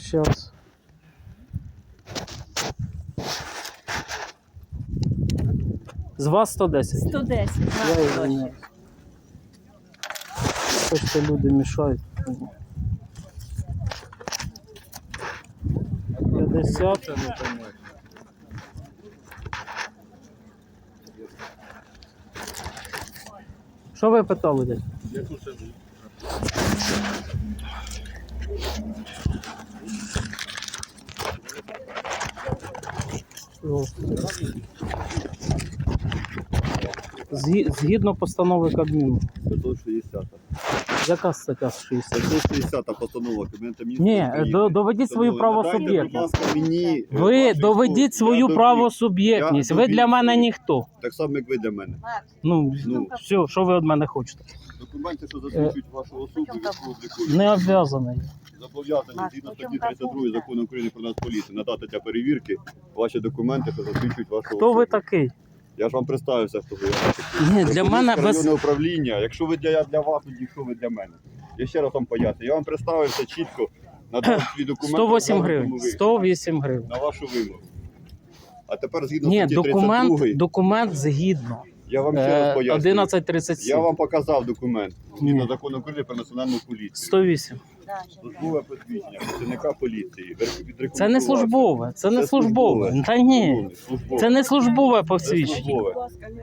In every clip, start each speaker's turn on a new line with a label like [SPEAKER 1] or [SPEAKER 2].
[SPEAKER 1] Щас. З вас 110.
[SPEAKER 2] 110.
[SPEAKER 1] Я його не... Просто люди мішають. 50. Що ви питали десь? Згідно постанови Кабміну.
[SPEAKER 3] 560.
[SPEAKER 1] Яка стаття 60?
[SPEAKER 3] 560 постанова Кабінету Міністрів
[SPEAKER 1] Ні,
[SPEAKER 3] України.
[SPEAKER 1] доведіть свою
[SPEAKER 3] Надайте, будь
[SPEAKER 1] правосуб'єктність.
[SPEAKER 3] ласка, мені,
[SPEAKER 1] Ви
[SPEAKER 3] вашу
[SPEAKER 1] доведіть
[SPEAKER 3] історію.
[SPEAKER 1] свою
[SPEAKER 3] Я довів.
[SPEAKER 1] правосуб'єктність.
[SPEAKER 3] Я
[SPEAKER 1] Ви для
[SPEAKER 3] довів
[SPEAKER 1] мене
[SPEAKER 3] свою.
[SPEAKER 1] ніхто.
[SPEAKER 3] Так само, як ви для мене.
[SPEAKER 1] Ну,
[SPEAKER 3] Ну.
[SPEAKER 1] все, що ви від мене хочете?
[SPEAKER 3] Документи, що засвідчують вашу особу, військову обліку.
[SPEAKER 1] Не обов'язаний.
[SPEAKER 3] Зобов'язані згідно статті 32 Закону України про Нацполіцію надати для перевірки ваші документи, що засвідчують вашу особу.
[SPEAKER 1] Хто ви такий?
[SPEAKER 3] Я ж вам представився, хто ви.
[SPEAKER 1] Ні, для мене без...
[SPEAKER 3] Районне управління. Якщо ви я для вас, тоді що ви для мене? Я ще раз вам поясню. Я вам представився чітко, надав свій документ.
[SPEAKER 1] 108
[SPEAKER 3] на
[SPEAKER 1] гривень. 108 гривень.
[SPEAKER 3] На вашу вимогу. А тепер згідно
[SPEAKER 1] Ні,
[SPEAKER 3] статті 32,
[SPEAKER 1] документ згідно.
[SPEAKER 3] я вам ще раз поясню.
[SPEAKER 1] 1137.
[SPEAKER 3] Я вам показав документ. Згідно
[SPEAKER 1] Ні.
[SPEAKER 3] Закону України про національну поліцію.
[SPEAKER 1] 108.
[SPEAKER 3] Службове посвідчення працівника поліції.
[SPEAKER 1] Це не службове, це не
[SPEAKER 3] Це
[SPEAKER 1] службове.
[SPEAKER 3] службове.
[SPEAKER 1] Та ні,
[SPEAKER 3] Службове.
[SPEAKER 1] це не службове
[SPEAKER 3] Це
[SPEAKER 1] посвідчення.
[SPEAKER 3] службове.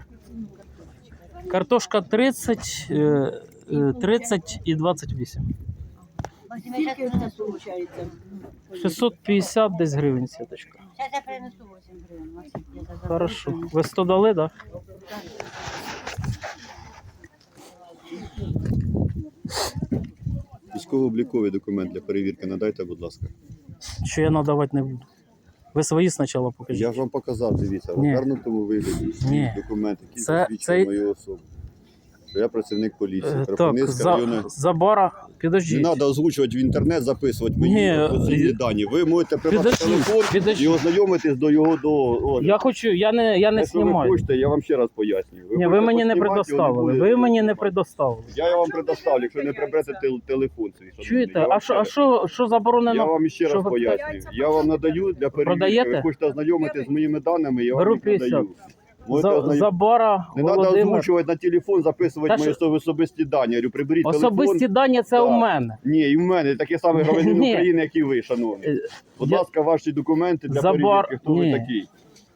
[SPEAKER 1] Картошка 30, 30 і 28.
[SPEAKER 2] Скільки у нас виходить?
[SPEAKER 1] 650 десь гривень, сіточка.
[SPEAKER 2] Зараз я принесу 8 гривень. Максим, я за
[SPEAKER 1] Хорошо. Ви 100 дали, так?
[SPEAKER 3] Військово-обліковий документ для перевірки надайте, будь ласка.
[SPEAKER 1] Що я надавати не буду. Ви свої спочатку покажіть.
[SPEAKER 3] Я ж вам показав, дивіться, в
[SPEAKER 1] Ні.
[SPEAKER 3] гарному вигляді.
[SPEAKER 1] Ні.
[SPEAKER 3] Документ, який
[SPEAKER 1] Це-
[SPEAKER 3] засвідчує
[SPEAKER 1] це-
[SPEAKER 3] мою особу. Що я працівник поліції.
[SPEAKER 1] Так,
[SPEAKER 3] Кропивницька районна.
[SPEAKER 1] Забара,
[SPEAKER 3] Не
[SPEAKER 1] підождіть.
[SPEAKER 3] треба озвучувати в інтернет, записувати
[SPEAKER 1] Ні,
[SPEAKER 3] мої офіційні дані. Ви можете прибрати
[SPEAKER 1] підождіть,
[SPEAKER 3] телефон
[SPEAKER 1] підождіть.
[SPEAKER 3] і ознайомитись до його до.
[SPEAKER 1] Я хочу, я не
[SPEAKER 3] Якщо ви
[SPEAKER 1] знімаю.
[SPEAKER 3] хочете, я вам ще раз пояснюю.
[SPEAKER 1] Ні, ви
[SPEAKER 3] хочете
[SPEAKER 1] мені не
[SPEAKER 3] поснімати,
[SPEAKER 1] предоставили.
[SPEAKER 3] його не
[SPEAKER 1] Ви
[SPEAKER 3] буде
[SPEAKER 1] мені не
[SPEAKER 3] знімати.
[SPEAKER 1] предоставили.
[SPEAKER 3] Я вам предоставлю, якщо не приберете телефон свій. шановний.
[SPEAKER 1] Чуєте?
[SPEAKER 3] Я вам
[SPEAKER 1] А
[SPEAKER 3] ще
[SPEAKER 1] що
[SPEAKER 3] Я
[SPEAKER 1] заборонено?
[SPEAKER 3] вам ще
[SPEAKER 1] Що
[SPEAKER 3] раз
[SPEAKER 1] ви-
[SPEAKER 3] пояснюю. Я вам надаю для перевірки.
[SPEAKER 1] Продаєте?
[SPEAKER 3] Ви хочете ознайомитись з моїми даними, я
[SPEAKER 1] Беру
[SPEAKER 3] вам їх
[SPEAKER 1] 50.
[SPEAKER 3] надаю. Можете ознайомитись.
[SPEAKER 1] Забара,
[SPEAKER 3] Не треба
[SPEAKER 1] Володимир.
[SPEAKER 3] озвучувати на телефон, записувати
[SPEAKER 1] Та
[SPEAKER 3] мої особисті дані. Я говорю, приберіть
[SPEAKER 1] Особисті
[SPEAKER 3] телефон.
[SPEAKER 1] дані це
[SPEAKER 3] Так.
[SPEAKER 1] у мене.
[SPEAKER 3] Ні, і в мене такий самий громадянин
[SPEAKER 1] Ні.
[SPEAKER 3] України, як і ви, шановний. Будь
[SPEAKER 1] Я-
[SPEAKER 3] ласка, ваші документи для
[SPEAKER 1] Забар-
[SPEAKER 3] перевірки, хто
[SPEAKER 1] Ні.
[SPEAKER 3] ви такий.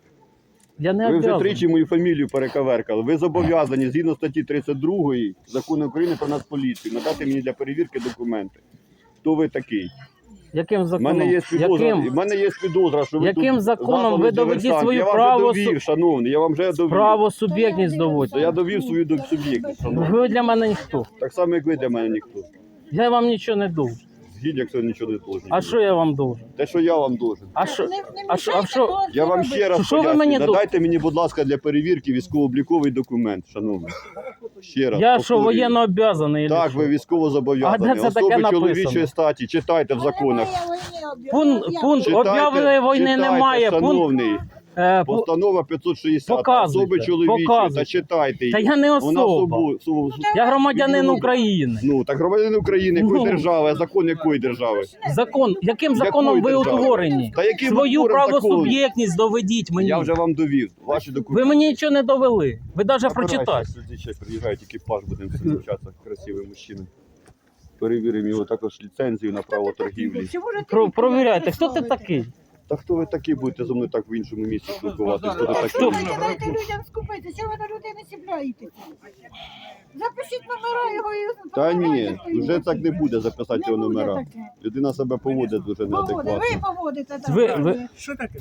[SPEAKER 1] Я не
[SPEAKER 3] Ви вже
[SPEAKER 1] обов'язаний.
[SPEAKER 3] тричі мою фамілію перековеркали. Ви зобов'язані, згідно статті 32 Закону України про Нацполіцію, надати мені для перевірки документи. Хто ви такий?
[SPEAKER 1] Яким
[SPEAKER 3] У
[SPEAKER 1] законом?
[SPEAKER 3] мене є підозра,
[SPEAKER 1] Яким?
[SPEAKER 3] в мене є підозра, що ви
[SPEAKER 1] Яким
[SPEAKER 3] тут
[SPEAKER 1] законом
[SPEAKER 3] засланий
[SPEAKER 1] ви доведіть
[SPEAKER 3] диверсант.
[SPEAKER 1] свою
[SPEAKER 3] Я вам
[SPEAKER 1] право
[SPEAKER 3] вже довів, шановний, я вам вже довів.
[SPEAKER 1] Право суб'єктність доводьте.
[SPEAKER 3] То я довів свою суб'єктність, шановний.
[SPEAKER 1] Ви для мене ніхто.
[SPEAKER 3] Так само, як ви для мене ніхто.
[SPEAKER 1] Я вам нічого не должен.
[SPEAKER 3] Згідно, якщо нічого не должен.
[SPEAKER 1] А що я вам должен?
[SPEAKER 3] Те, що я вам должен.
[SPEAKER 1] А що? А що?
[SPEAKER 3] Я вам ще раз
[SPEAKER 1] Що ви
[SPEAKER 3] пояснюю.
[SPEAKER 1] мені
[SPEAKER 3] Надайте мені, будь ласка, для перевірки військово-обліковий документ, шановний. Ще раз.
[SPEAKER 1] Я що,
[SPEAKER 3] повторюю.
[SPEAKER 1] воєнно обов'язаний?
[SPEAKER 3] Так, ви військово зобов'язані.
[SPEAKER 1] А де це таке
[SPEAKER 3] Особи
[SPEAKER 1] написано?
[SPEAKER 3] чоловічої статі. Читайте в законах.
[SPEAKER 1] Пункт
[SPEAKER 3] Читайте,
[SPEAKER 1] об'явленої війни
[SPEAKER 3] читайте,
[SPEAKER 1] немає.
[SPEAKER 3] Шановний. Постанова 560.
[SPEAKER 1] Показуйте,
[SPEAKER 3] Особи чоловічі.
[SPEAKER 1] показуйте.
[SPEAKER 3] Та читайте її.
[SPEAKER 1] Та я не особа. Я громадянин України.
[SPEAKER 3] Ну, так громадянин України, якої
[SPEAKER 1] Ну.
[SPEAKER 3] держави, а закон якої держави?
[SPEAKER 1] Закон. Яким законом ви
[SPEAKER 3] держави?
[SPEAKER 1] утворені?
[SPEAKER 3] Та яким
[SPEAKER 1] Свою
[SPEAKER 3] утвореним
[SPEAKER 1] правосуб'єктність доведіть мені.
[SPEAKER 3] Я вже вам довів. Ваші документи.
[SPEAKER 1] Ви мені нічого не довели. Ви навіть прочитайте.
[SPEAKER 3] Сюди ще приїжджає екіпаж, будемо зустрічатися, красивий мужчина. Перевіримо його також ліцензію на право торгівлі.
[SPEAKER 1] Провіряйте, хто ти такий?
[SPEAKER 3] Та хто ви такі будете зо мною так в іншому місці спілкуватися? Хто ви
[SPEAKER 1] Хто?
[SPEAKER 3] такі?
[SPEAKER 2] Дайте людям скупити, чого ви на людей не сібляєте? Запишіть номера його і...
[SPEAKER 3] Та ні, вже так не буде записати його номера. Людина себе поводить дуже
[SPEAKER 2] Ви
[SPEAKER 3] неадекватно.
[SPEAKER 2] поводите так.
[SPEAKER 1] Ви-
[SPEAKER 4] Що таке?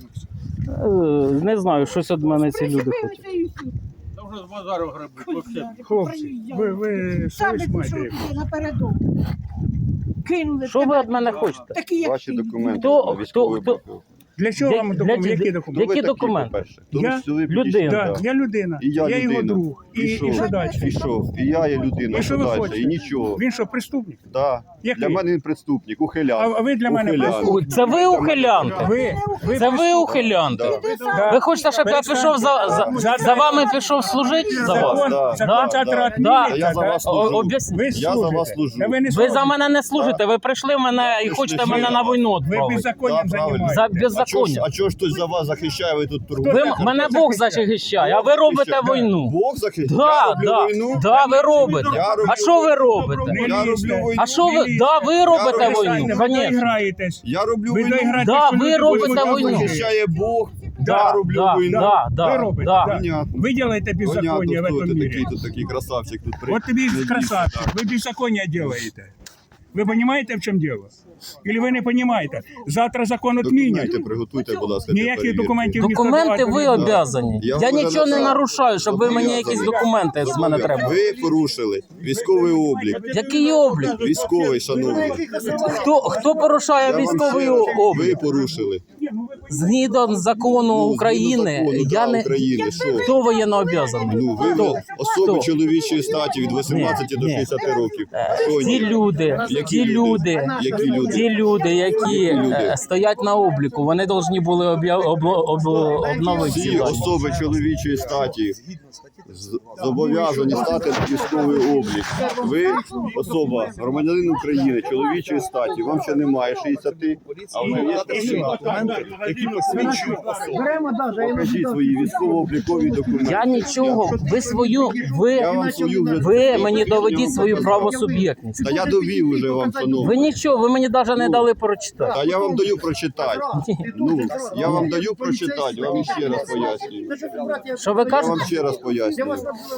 [SPEAKER 1] Не знаю, щось від мене ці люди хочуть.
[SPEAKER 2] Причепилися і все.
[SPEAKER 4] Та вже з базару грабить, взагалі.
[SPEAKER 2] Хлопці,
[SPEAKER 4] ви
[SPEAKER 2] Самі
[SPEAKER 4] совість
[SPEAKER 2] пішов
[SPEAKER 4] маєте?
[SPEAKER 2] туди напередок. Кинули.
[SPEAKER 1] Що ви
[SPEAKER 2] тебе.
[SPEAKER 1] від мене хочете?
[SPEAKER 2] Такі, як
[SPEAKER 3] Ваші
[SPEAKER 2] ти.
[SPEAKER 3] документи
[SPEAKER 1] Хто-
[SPEAKER 3] на військовий
[SPEAKER 1] хто-
[SPEAKER 3] облік.
[SPEAKER 4] Для чого вам документи? Які документи?
[SPEAKER 3] ви
[SPEAKER 1] Які
[SPEAKER 3] такі,
[SPEAKER 1] документи?
[SPEAKER 3] по-перше?
[SPEAKER 4] Я
[SPEAKER 3] ви
[SPEAKER 1] людина.
[SPEAKER 4] Да,
[SPEAKER 3] да.
[SPEAKER 4] я людина.
[SPEAKER 3] І я
[SPEAKER 4] його
[SPEAKER 3] людина.
[SPEAKER 4] друг. І що далі?
[SPEAKER 3] І що? І я є людина,
[SPEAKER 4] І що ви
[SPEAKER 3] далі?
[SPEAKER 4] хочете?
[SPEAKER 3] І нічого.
[SPEAKER 4] Він що, преступник?
[SPEAKER 3] Да.
[SPEAKER 4] Який?
[SPEAKER 3] Для мене він преступник, ухилян.
[SPEAKER 4] А ви для мене
[SPEAKER 3] Ухилян.
[SPEAKER 4] преступник?
[SPEAKER 1] Це ви ухилянти?
[SPEAKER 4] Ви
[SPEAKER 1] Це ви ухилянти?
[SPEAKER 3] Да.
[SPEAKER 1] Ви хочете, щоб я пішов за вами пішов служити за вас?
[SPEAKER 4] Закон,
[SPEAKER 3] Да.
[SPEAKER 4] закон
[SPEAKER 1] Да.
[SPEAKER 4] завтра
[SPEAKER 1] Да.
[SPEAKER 4] відміниться.
[SPEAKER 3] Я за вас служу.
[SPEAKER 1] Об'ясніть.
[SPEAKER 4] Ви
[SPEAKER 3] Я за
[SPEAKER 4] служите.
[SPEAKER 3] вас служу.
[SPEAKER 4] Та ви не
[SPEAKER 1] Ви
[SPEAKER 4] служите.
[SPEAKER 1] за мене не служите, ви прийшли мене і
[SPEAKER 3] Ви
[SPEAKER 1] хочете
[SPEAKER 3] служите.
[SPEAKER 1] мене на війну
[SPEAKER 4] Ви
[SPEAKER 1] відправити.
[SPEAKER 4] беззаконням
[SPEAKER 3] Да, правильно.
[SPEAKER 1] За
[SPEAKER 4] займаєтесь.
[SPEAKER 1] беззаконня.
[SPEAKER 3] А чого ж хтось за вас захищає, ви тут
[SPEAKER 1] Ви
[SPEAKER 3] торгуєте?
[SPEAKER 1] мене Бог захищає, а ви робите війну.
[SPEAKER 3] Бог захищає?
[SPEAKER 1] Да,
[SPEAKER 3] Я роблю
[SPEAKER 1] да,
[SPEAKER 3] війну?
[SPEAKER 1] да, ви робите.
[SPEAKER 3] Я роблю
[SPEAKER 1] А що ви робите?
[SPEAKER 4] Не
[SPEAKER 3] Я
[SPEAKER 4] лізьте.
[SPEAKER 3] роблю війну.
[SPEAKER 1] А що ви? Да, ви робите
[SPEAKER 3] роблю
[SPEAKER 1] війну,
[SPEAKER 4] Ви
[SPEAKER 1] звісно.
[SPEAKER 4] доіграєтесь.
[SPEAKER 3] Я роблю
[SPEAKER 4] Ви
[SPEAKER 3] війну.
[SPEAKER 4] доіграєтесь.
[SPEAKER 1] Да,
[SPEAKER 4] що
[SPEAKER 1] ви
[SPEAKER 4] люди
[SPEAKER 1] робите
[SPEAKER 4] будуть
[SPEAKER 1] війну.
[SPEAKER 4] служити.
[SPEAKER 3] Захищає Бог.
[SPEAKER 1] Да,
[SPEAKER 3] Я роблю
[SPEAKER 1] да,
[SPEAKER 3] війну.
[SPEAKER 1] да,
[SPEAKER 4] Ви
[SPEAKER 1] да,
[SPEAKER 4] робите,
[SPEAKER 1] да.
[SPEAKER 4] да.
[SPEAKER 3] Понятно.
[SPEAKER 4] Ви робите беззаконня в
[SPEAKER 3] Понятно, хто
[SPEAKER 4] этом
[SPEAKER 3] ти
[SPEAKER 4] мире.
[SPEAKER 3] такий, тут такий красавчик тут при.
[SPEAKER 4] Вот тобі
[SPEAKER 3] не
[SPEAKER 4] красавчик,
[SPEAKER 3] дійсно,
[SPEAKER 4] ви беззаконня делаете. Ви розумієте, в чому діло? Или ви не розумієте? Завтра закон
[SPEAKER 3] так.
[SPEAKER 4] відмінять.
[SPEAKER 3] Документи приготуйте, будь ласка. для
[SPEAKER 4] Ніяких
[SPEAKER 3] перевірки.
[SPEAKER 4] документів ніхто
[SPEAKER 1] Документи
[SPEAKER 4] давати
[SPEAKER 1] ви
[SPEAKER 4] не буде.
[SPEAKER 1] обязані.
[SPEAKER 3] Я
[SPEAKER 1] Я
[SPEAKER 3] вже
[SPEAKER 1] нічого не
[SPEAKER 3] написав.
[SPEAKER 1] нарушаю, щоб ви мені якісь документи з мене треба.
[SPEAKER 3] Ви порушили військовий облік.
[SPEAKER 1] Який облік?
[SPEAKER 3] Військовий, шановний.
[SPEAKER 1] Хто порушає
[SPEAKER 3] Я вам
[SPEAKER 1] військовий
[SPEAKER 3] ще раз- Ви
[SPEAKER 1] облік?
[SPEAKER 3] порушили.
[SPEAKER 1] Згідно закону
[SPEAKER 3] Ну,
[SPEAKER 1] України,
[SPEAKER 3] згідно закону,
[SPEAKER 1] я
[SPEAKER 3] да,
[SPEAKER 1] не
[SPEAKER 3] України, що?
[SPEAKER 1] хто воєнно обязаний?
[SPEAKER 3] Ну, ви
[SPEAKER 1] Хто?
[SPEAKER 3] особи
[SPEAKER 1] Хто?
[SPEAKER 3] чоловічої статі від 18 до
[SPEAKER 1] Ні.
[SPEAKER 3] 60 років. Хто
[SPEAKER 1] Ті
[SPEAKER 3] ні?
[SPEAKER 1] люди,
[SPEAKER 3] Які
[SPEAKER 1] ті люди,
[SPEAKER 3] Які люди?
[SPEAKER 1] ті люди, які
[SPEAKER 3] люди?
[SPEAKER 1] стоять на обліку, вони повинні були обновити ці
[SPEAKER 3] Всі
[SPEAKER 1] дані.
[SPEAKER 3] особи чоловічої статі зобов'язані стати на військовий облік. Ви особа, громадянин України, чоловічої статі, вам ще немає 60, а вже є документи, які посвідчують особу. Покажіть свої військово-облікові документи.
[SPEAKER 1] Я нічого, ви свою,
[SPEAKER 3] Я вам свою вже
[SPEAKER 1] ви мені доведіть свою правосуб'єктність.
[SPEAKER 3] Та я довів уже вам,
[SPEAKER 1] Ви
[SPEAKER 3] шановний.
[SPEAKER 1] нічого, ви мені навіть не дали прочитати.
[SPEAKER 3] Та я вам даю прочитати. Ну, я вам даю прочитати, я вам ще раз пояснюю.
[SPEAKER 1] Що ви
[SPEAKER 3] Я
[SPEAKER 1] кажете?
[SPEAKER 3] вам ще раз пояснюю.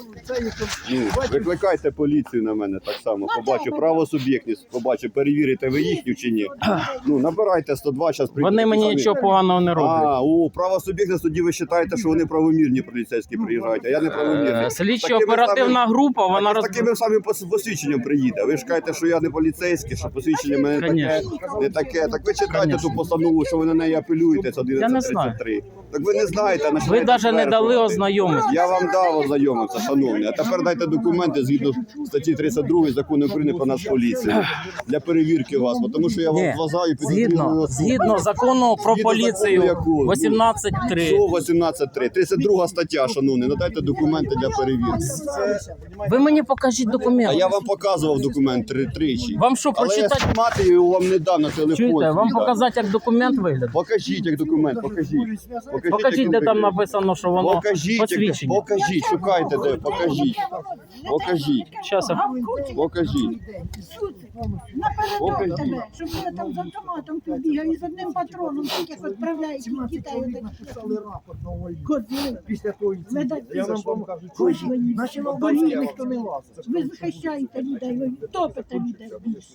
[SPEAKER 3] Ну, викликайте поліцію на мене так само. Побачу правосуб'єктність, побачу, перевірите ви їхню чи ні. Ну, набирайте 102, зараз прийдете.
[SPEAKER 1] Вони мені
[SPEAKER 3] самі.
[SPEAKER 1] нічого поганого не роблять.
[SPEAKER 3] Правосуб'єктність, тоді ви вважаєте, що вони правомірні поліцейські приїжджають, а я не правомірний.
[SPEAKER 1] Слідчо-оперативна група, вона
[SPEAKER 3] З такими самим посвідченням приїде. Ви ж кажете, що я не поліцейський, що посвідчення в мене таке,
[SPEAKER 1] Конечно.
[SPEAKER 3] не таке. Так ви читайте
[SPEAKER 1] Конечно.
[SPEAKER 3] ту постанову, що ви на неї апелюєте, це
[SPEAKER 1] Я не знаю.
[SPEAKER 3] 1133. Так ви не знаєте, а
[SPEAKER 1] Ви
[SPEAKER 3] починаєте
[SPEAKER 1] навіть не дали
[SPEAKER 3] стверджувати.
[SPEAKER 1] ознайомитися.
[SPEAKER 3] Я вам дав ознайомитися, шановні. А тепер дайте документи згідно статті 32 Закону України про Нацполіцію для перевірки вас, тому що я вам
[SPEAKER 1] Ні,
[SPEAKER 3] зважаю
[SPEAKER 1] згідно закону про
[SPEAKER 3] Згідно
[SPEAKER 1] поліцію
[SPEAKER 3] закону якого?
[SPEAKER 1] 18.3.
[SPEAKER 3] Що 18.3? 32 стаття, шановні, надайте документи для перевірки.
[SPEAKER 1] Ви мені покажіть
[SPEAKER 3] А
[SPEAKER 1] документи.
[SPEAKER 3] я вам показував документ тричі.
[SPEAKER 1] Вам що,
[SPEAKER 3] Але я
[SPEAKER 1] прочитати?
[SPEAKER 3] знімати його вам не дам на телефон.
[SPEAKER 1] Чуєте, вам
[SPEAKER 3] свій,
[SPEAKER 1] показати, як документ виглядає?
[SPEAKER 3] Покажіть, як документ, покажіть.
[SPEAKER 1] Покажіть,
[SPEAKER 3] як
[SPEAKER 1] де там
[SPEAKER 3] виглядає.
[SPEAKER 1] написано, що воно
[SPEAKER 3] Покажіть,
[SPEAKER 1] посвідчення.
[SPEAKER 3] покажіть, шукайте де, покажіть. Покажіть.
[SPEAKER 1] Щас я-
[SPEAKER 3] Покажіть.
[SPEAKER 2] Напередок тебе, щоб я там з автоматом тут бігав і з одним патроном, таких відправляють від Китаю. Козли.
[SPEAKER 5] Після того
[SPEAKER 2] Видать,
[SPEAKER 5] я вам кажу,
[SPEAKER 2] Ось ви,
[SPEAKER 5] наші
[SPEAKER 2] бо
[SPEAKER 5] волонтери
[SPEAKER 2] ні,
[SPEAKER 5] ніхто не лазить.
[SPEAKER 2] ви захищаєте людей, ви топите людей.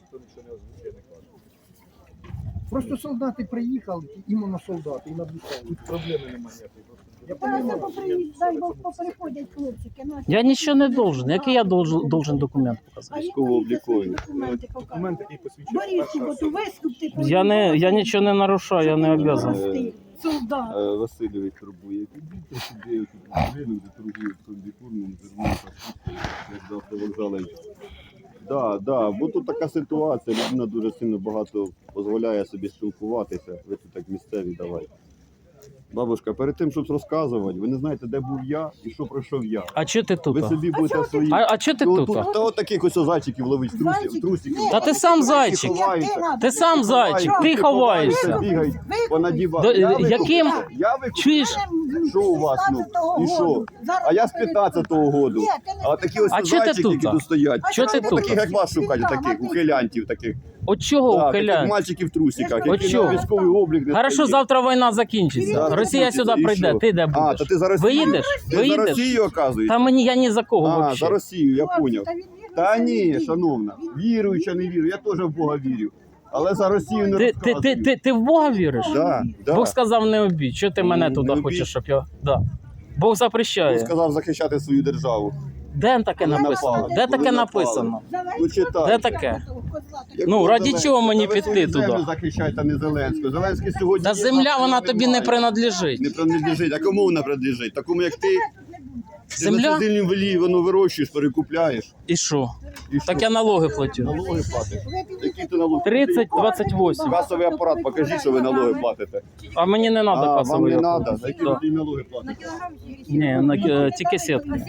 [SPEAKER 5] Просто солдати приїхали, іменно солдати, і надвісали. Тут проблеми немає ніякої. Я
[SPEAKER 2] Та це
[SPEAKER 5] розумію.
[SPEAKER 2] дай Бог поприходять хлопчики наші.
[SPEAKER 1] Я нічого не должен. Який я должен документ показати?
[SPEAKER 2] А
[SPEAKER 3] Військово-облікові.
[SPEAKER 2] документи показують.
[SPEAKER 5] Документ, який посвідчує.
[SPEAKER 2] Боріть, бо то вискупти.
[SPEAKER 1] Я нічого не нарушаю, я не обов'язаний.
[SPEAKER 2] Солдат.
[SPEAKER 3] Васильович турбує. Підійте сюди, тут будинок, де торгують комбікурмом, зерном, як до автовокзалу. Да, бо тут така ситуація, людина дуже сильно багато дозволяє собі спілкуватися. Ви тут так місцеві давайте. Бабушка, перед тим, щоб розказувати, ви не знаєте, де був я і що пройшов я.
[SPEAKER 1] А чого ти тут?
[SPEAKER 3] Ви собі будете свої...
[SPEAKER 1] А чого ти
[SPEAKER 3] Ну,
[SPEAKER 1] тут?
[SPEAKER 3] Та от таких ось зайчиків ловить в трусиків.
[SPEAKER 1] Та ти сам зайчик. Ти сам зайчик, ти ховаєшся.
[SPEAKER 3] Бігають понадівати.
[SPEAKER 1] До- яким-
[SPEAKER 3] Я викупив.
[SPEAKER 1] Чуєш?
[SPEAKER 3] Що у вас, ну? І що? А я з 15-го году. А такі ось
[SPEAKER 1] А чого ти
[SPEAKER 3] зайчики,
[SPEAKER 1] тут?
[SPEAKER 3] які тут стоять.
[SPEAKER 1] Чого ти
[SPEAKER 3] Ну,
[SPEAKER 1] тут?
[SPEAKER 3] таких, як вас шукають, таких ухилянтів таких.
[SPEAKER 1] От чого
[SPEAKER 3] Так, таких
[SPEAKER 1] ухиляють?
[SPEAKER 3] мальчиків в трусиках,
[SPEAKER 1] От
[SPEAKER 3] які
[SPEAKER 1] чого?
[SPEAKER 3] на військовий облік не
[SPEAKER 1] Хорошо,
[SPEAKER 3] стоять.
[SPEAKER 1] завтра війна закінчиться.
[SPEAKER 3] Да,
[SPEAKER 1] Росія сюди
[SPEAKER 3] і
[SPEAKER 1] прийде,
[SPEAKER 3] що?
[SPEAKER 1] ти де
[SPEAKER 3] А,
[SPEAKER 1] будеш?
[SPEAKER 3] то ти за Росію?
[SPEAKER 1] Виїдеш?
[SPEAKER 3] Ти за
[SPEAKER 1] Виїдеш?
[SPEAKER 3] Росію, оказується?
[SPEAKER 1] Та мені я ні за кого
[SPEAKER 3] А, за
[SPEAKER 1] взагалі.
[SPEAKER 3] Росію, я поняв. Та ні, шановна, вірую чи не вірю, я теж в Бога вірю. Але за Росію не розказую.
[SPEAKER 1] Ти в Бога віриш?
[SPEAKER 3] Да.
[SPEAKER 1] Бог сказав не обідь. Чого ти мене
[SPEAKER 3] Не
[SPEAKER 1] туди
[SPEAKER 3] обідь.
[SPEAKER 1] хочеш, щоб я. Да. Бог
[SPEAKER 3] Він
[SPEAKER 1] запрещає.
[SPEAKER 3] сказав захищати свою державу.
[SPEAKER 1] Де таке написано? Де таке написано?
[SPEAKER 3] Ну, читай.
[SPEAKER 1] Де таке?
[SPEAKER 3] Як
[SPEAKER 1] Ну,
[SPEAKER 3] ви
[SPEAKER 1] раді
[SPEAKER 3] Зеленського?
[SPEAKER 1] чого мені
[SPEAKER 3] Та ви
[SPEAKER 1] піти
[SPEAKER 3] свою
[SPEAKER 1] туди?
[SPEAKER 3] землю захищайте, а не Зеленського. Зеленський сьогодні
[SPEAKER 1] Та
[SPEAKER 3] є,
[SPEAKER 1] земля,
[SPEAKER 3] завтра
[SPEAKER 1] вона
[SPEAKER 3] його
[SPEAKER 1] тобі не
[SPEAKER 3] немає.
[SPEAKER 1] принадлежить.
[SPEAKER 3] Не принадлежить. А кому вона принадлежить? Такому, як ти? Ти на
[SPEAKER 1] Земля?
[SPEAKER 3] сидільнім велі, воно вирощуєш, перекупляєш.
[SPEAKER 1] І що?
[SPEAKER 3] І що?
[SPEAKER 1] Так я налоги платю.
[SPEAKER 3] Налоги платиш. Які ти налоги?
[SPEAKER 1] 30-28.
[SPEAKER 3] Касовий апарат, покажи, що ви налоги платите.
[SPEAKER 1] А мені не треба
[SPEAKER 3] А, вам
[SPEAKER 1] касовий
[SPEAKER 3] не
[SPEAKER 1] апарат.
[SPEAKER 3] треба? За які
[SPEAKER 1] Да.
[SPEAKER 3] ви налоги платите?
[SPEAKER 1] Ні, тільки сітка.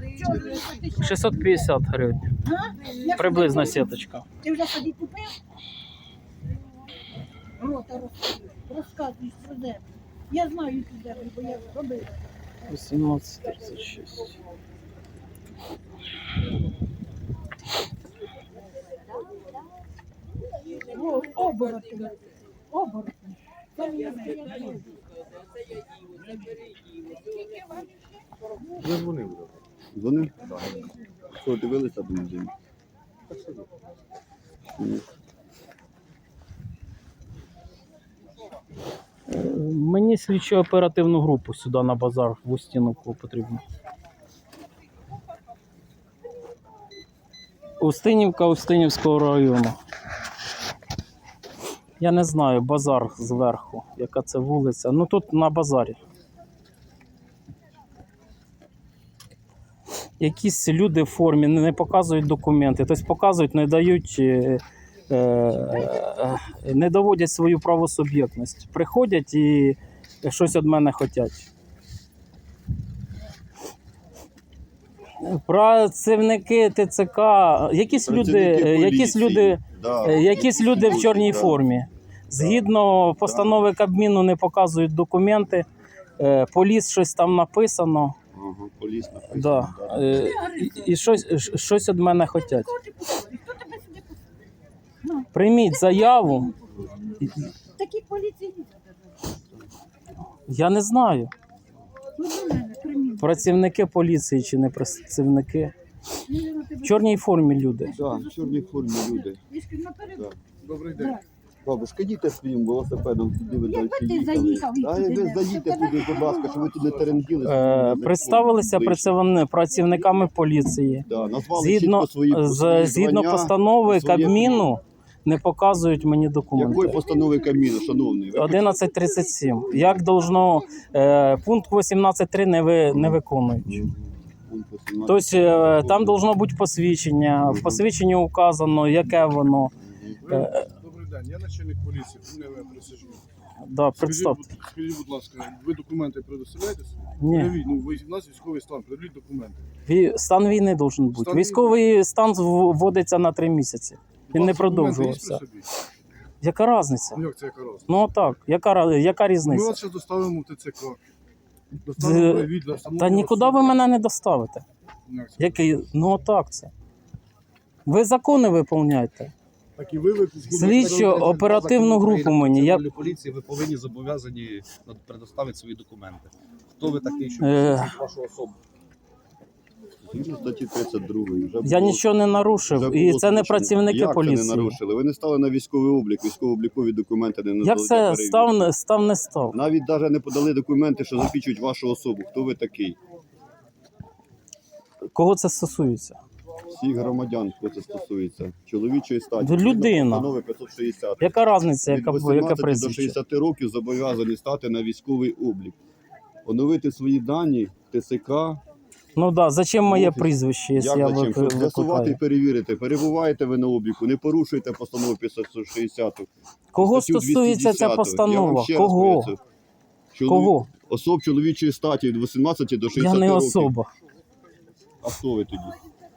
[SPEAKER 1] 650 гривень. Приблизно сіточка.
[SPEAKER 2] Ти вже собі купив? Рота розказуєш про землю. Я знаю цю землю, бо я робила.
[SPEAKER 1] 18:36.
[SPEAKER 2] Оборотні. Оборотні. Це я знаю.
[SPEAKER 5] Я дзвонив.
[SPEAKER 3] Дзвонив? Що, дивилися до неділі?
[SPEAKER 1] Мені слідчо оперативну групу сюди на базар в Устіновку потрібно. Устинівка Устинівського району. Я не знаю, базар зверху, яка це вулиця. Ну тут на базарі. Якісь люди в формі не показують документи, тобто показують, не дають, не доводять свою правосуб'єктність. Приходять і щось від мене хочуть. Працівники ТЦК, якісь люди в чорній формі. Згідно постанови Кабміну не показують документи, поліс щось там написано.
[SPEAKER 3] Ага, поліс написано.
[SPEAKER 1] Да. І щось від мене хочуть.
[SPEAKER 2] Хто тебе сюди пустив?
[SPEAKER 1] Прийміть заяву.
[SPEAKER 2] Такі поліції.
[SPEAKER 1] Я не знаю,
[SPEAKER 2] Ну, до мене, приміть.
[SPEAKER 1] працівники поліції чи не працівники. В чорній формі люди.
[SPEAKER 3] Так, в чорній формі люди. Так.
[SPEAKER 5] Добрий день.
[SPEAKER 3] Бабушка, їдьте своїм велосипедом, туди ви далі
[SPEAKER 2] Якби ти
[SPEAKER 3] їхали.
[SPEAKER 2] заїхав і
[SPEAKER 3] А
[SPEAKER 2] туди,
[SPEAKER 3] ви
[SPEAKER 2] да.
[SPEAKER 3] заїдьте туди, будь ласка, щоб ви тут не теренгіли.
[SPEAKER 1] Представилися працівниками поліції.
[SPEAKER 3] Да, назвали
[SPEAKER 1] Згідно,
[SPEAKER 3] чітко свої
[SPEAKER 1] згідно
[SPEAKER 3] звання,
[SPEAKER 1] постанови
[SPEAKER 3] своє
[SPEAKER 1] Кабміну не показують мені
[SPEAKER 3] Якої
[SPEAKER 1] документи.
[SPEAKER 3] постанови Кабміну, шановний? Ви
[SPEAKER 1] 11:37. Як должно, пункт 18.3 не виконують.
[SPEAKER 3] Пункт 18.
[SPEAKER 1] Тобто там должно бути посвідчення. В посвідченні указано, яке воно.
[SPEAKER 6] Добрий день, я начальник поліції, Пуневе Присяжний.
[SPEAKER 1] Да, представте.
[SPEAKER 6] Скажіть, будь ласка, ви документи предоставляєте?
[SPEAKER 1] Ні.
[SPEAKER 6] Пред'явіть, ну, ви, у нас військовий стан, пред'явіть документи.
[SPEAKER 1] Стан війни должен бути.
[SPEAKER 6] Стан
[SPEAKER 1] Військовий стан вводиться на 3 місяці. Він
[SPEAKER 6] У
[SPEAKER 1] не
[SPEAKER 6] вас документи є
[SPEAKER 1] продовжувався.
[SPEAKER 6] при собі?
[SPEAKER 1] Яка різниця?
[SPEAKER 6] Ну, як це яка раз?
[SPEAKER 1] Ну так, яка
[SPEAKER 6] Ми
[SPEAKER 1] різниця?
[SPEAKER 6] вас зараз доставимо в ТЦК. Доставимо привіт для
[SPEAKER 1] Та
[SPEAKER 6] встановлення
[SPEAKER 1] нікуди
[SPEAKER 6] особи.
[SPEAKER 1] ви мене не доставите.
[SPEAKER 6] Як це?
[SPEAKER 1] Який? Ну так це. Ви закони виконуєте.
[SPEAKER 6] Так і ви
[SPEAKER 1] Слідчо оперативну групу мені. Я
[SPEAKER 7] Поліції ви повинні зобов'язані предоставити свої документи. Хто ви такий, що
[SPEAKER 1] Е.
[SPEAKER 7] посвідчить вашу особу?
[SPEAKER 3] Згідно статті 32.
[SPEAKER 1] я нічого не нарушив. І це не працівники
[SPEAKER 3] Як це не
[SPEAKER 1] поліції.
[SPEAKER 3] нарушили? Ви не стали на військовий облік, військово-облікові документи не надали.
[SPEAKER 1] Як
[SPEAKER 3] для
[SPEAKER 1] це
[SPEAKER 3] перевірки.
[SPEAKER 1] став не став?
[SPEAKER 3] Навіть навіть не подали документи, що засвідчують вашу особу. Хто ви такий?
[SPEAKER 1] Кого це стосується?
[SPEAKER 3] Всіх громадян, хто це стосується. Чоловічої статі.
[SPEAKER 1] Ви людина.
[SPEAKER 3] Постанови 560.
[SPEAKER 1] Яка різниця,
[SPEAKER 3] Від
[SPEAKER 1] яке
[SPEAKER 3] 18 до
[SPEAKER 1] прізвище?
[SPEAKER 3] 60 років зобов'язані стати на військовий облік. Оновити свої дані, ТСК.
[SPEAKER 1] Ну так, зачем моє
[SPEAKER 3] Офіс.
[SPEAKER 1] прізвище, якщо
[SPEAKER 3] Як
[SPEAKER 1] я
[SPEAKER 3] зачем? Щоб з'ясувати і
[SPEAKER 1] викликаю?
[SPEAKER 3] перевірити. Перебуваєте ви на обліку, не порушуєте постанову 560.
[SPEAKER 1] Кого
[SPEAKER 3] статтю
[SPEAKER 1] стосується
[SPEAKER 3] 210.
[SPEAKER 1] ця
[SPEAKER 3] Я вам
[SPEAKER 1] постанова?
[SPEAKER 3] ще раз
[SPEAKER 1] Кого?
[SPEAKER 3] поясню.
[SPEAKER 1] Кого?
[SPEAKER 3] Особ чоловічої статі від 18 до 60
[SPEAKER 1] Я не
[SPEAKER 3] років.
[SPEAKER 1] особа.
[SPEAKER 3] А хто ви тоді?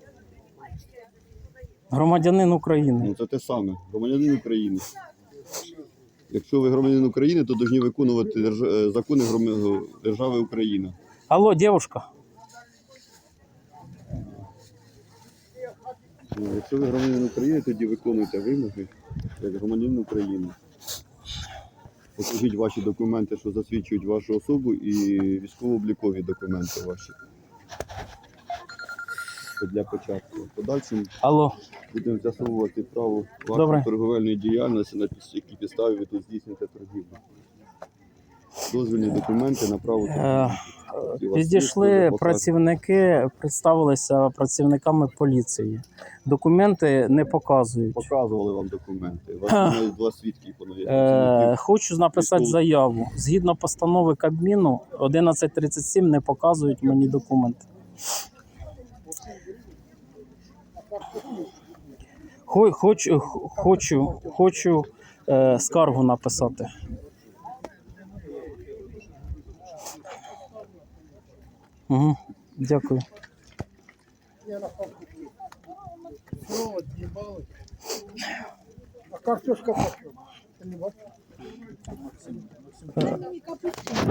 [SPEAKER 1] Громадянин України.
[SPEAKER 3] Ну це те саме. Громадянин України. Якщо ви громадянин України, то повинні виконувати закони держави Україна.
[SPEAKER 1] Алло, дівчинка.
[SPEAKER 3] Ну, якщо ви громадянин України, тоді виконуйте вимоги як громадянин України. Покажіть ваші документи, що засвідчують вашу особу, і військово-облікові документи ваші. Це для початку. В подальшому
[SPEAKER 1] Алло.
[SPEAKER 3] будемо з'ясовувати право
[SPEAKER 1] Добре.
[SPEAKER 3] вашої торговельної діяльності, на якій підставі ви тут здійснюєте торгівлю. дозвільні документи на право.
[SPEAKER 1] Підійшли працівники, представилися працівниками поліції. Документи не показують.
[SPEAKER 3] Показували вам документи. У вас навіть 2 свідки поновили.
[SPEAKER 1] Хочу написати заяву. Згідно постанови Кабміну 1137 не показують мені документи. Хочу скаргу написати. Угу, дякую.
[SPEAKER 5] Все, отъебали. А картошка почем? Ты не бачишь?
[SPEAKER 2] Дай мені капусту.